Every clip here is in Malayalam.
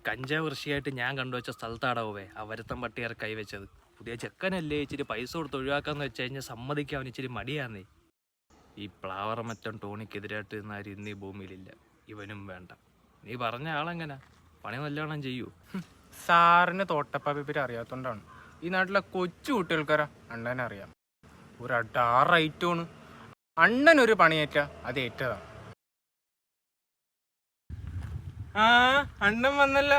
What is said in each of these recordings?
കഞ്ചാവ് കൃഷിയായിട്ട് ഞാൻ കണ്ടുവച്ച സ്ഥലത്താടാവേ ആ വരുത്തം പട്ടിയാർ കൈവച്ചത്. പുതിയ ചെക്കനല്ലേ, ഇച്ചിരി പൈസ കൊടുത്ത് ഒഴിവാക്കാന്ന് വെച്ച് കഴിഞ്ഞാൽ സമ്മതിക്കാൻ അവന് ഇച്ചിരി മടിയാന്നേ. ഈ പ്ലാവറമറ്റം ടോണിക്കെതിരായിട്ട് നിന്നാരും ഇന്ന് ഈ ഭൂമിയിലില്ല. ഇവനും വേണ്ട. നീ പറഞ്ഞ ആളെങ്ങനെ പണി നല്ലോണം ചെയ്യൂ. സാറിന് തോട്ടപ്പാപ്പിപ്പറ്റി അറിയാത്തോണ്ടാണ്. ഈ നാട്ടിലെ കൊച്ചു കുട്ടികൾക്കാരാ അണ്ണനെ അറിയാം. ഒരു അടാർ റൈറ്റോണ്. അണ്ണൻ ഒരു പണിയേറ്റ അത് ഏറ്റതാണ്. ആ അണ്ണൻ വന്നല്ല.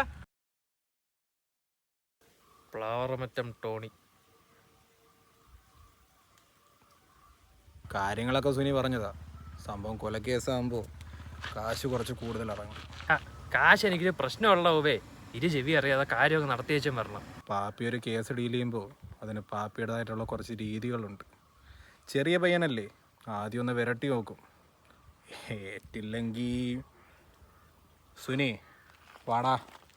പ്ലാവറമറ്റം ടോണി കാര്യങ്ങളൊക്കെ സുനി പറഞ്ഞതാ. സംഭവം കൊലക്കേസാകുമ്പോൾ കാശ് കുറച്ച് കൂടുതൽ ഇറങ്ങും. കാശ് എനിക്കൊരു പ്രശ്നമുള്ളവേ. ഇരു ചെവി അറിയാതെ കാര്യമൊക്കെ നടത്തിയേച്ചും വരണം. പാപ്പി ഒരു കേസ് ഡീൽ ചെയ്യുമ്പോൾ അതിന് പാപ്പിയുടേതായിട്ടുള്ള കുറച്ച് രീതികളുണ്ട്. ചെറിയ പയ്യനല്ലേ, ആദ്യം ഒന്ന് വിരട്ടി നോക്കും. ഏറ്റില്ലെങ്കിൽ സുനി വാടാ.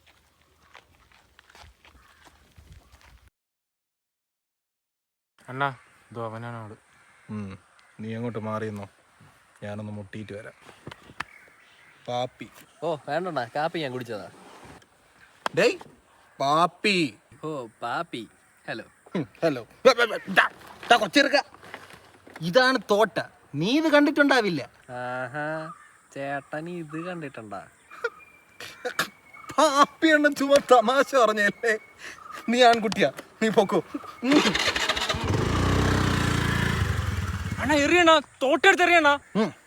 അണ്ണാ ഇത് അവനാണ് ആള്. നീ അങ്ങോട്ട് മാറിയെന്നോ, ഞാനൊന്ന് മുട്ടിയിട്ട് വരാം. പാപ്പി. ഓ വേണ്ടണ്ണ, കാപ്പി ഞാൻ കുടിച്ചതാ. ഡേയ് പാപ്പി. ഓ പാപ്പി. Hello hello. കൊച്ചിറക്ക, ഇതാണ് തോട്ട. നീ ഇത് കണ്ടിട്ടുണ്ടാവില്ല. ആഹാ, ചേട്ടൻ ഇത് കണ്ടിട്ടുണ്ടാ? പാപ്പി എണ്ണ ചുമ തമാശ പറഞ്ഞല്ലേ. നീ ആൺകുട്ടിയാ, നീ പൊക്കോ. അണ്ണാ എറിയണ, തോട്ടെടുത്ത് എറിയണ.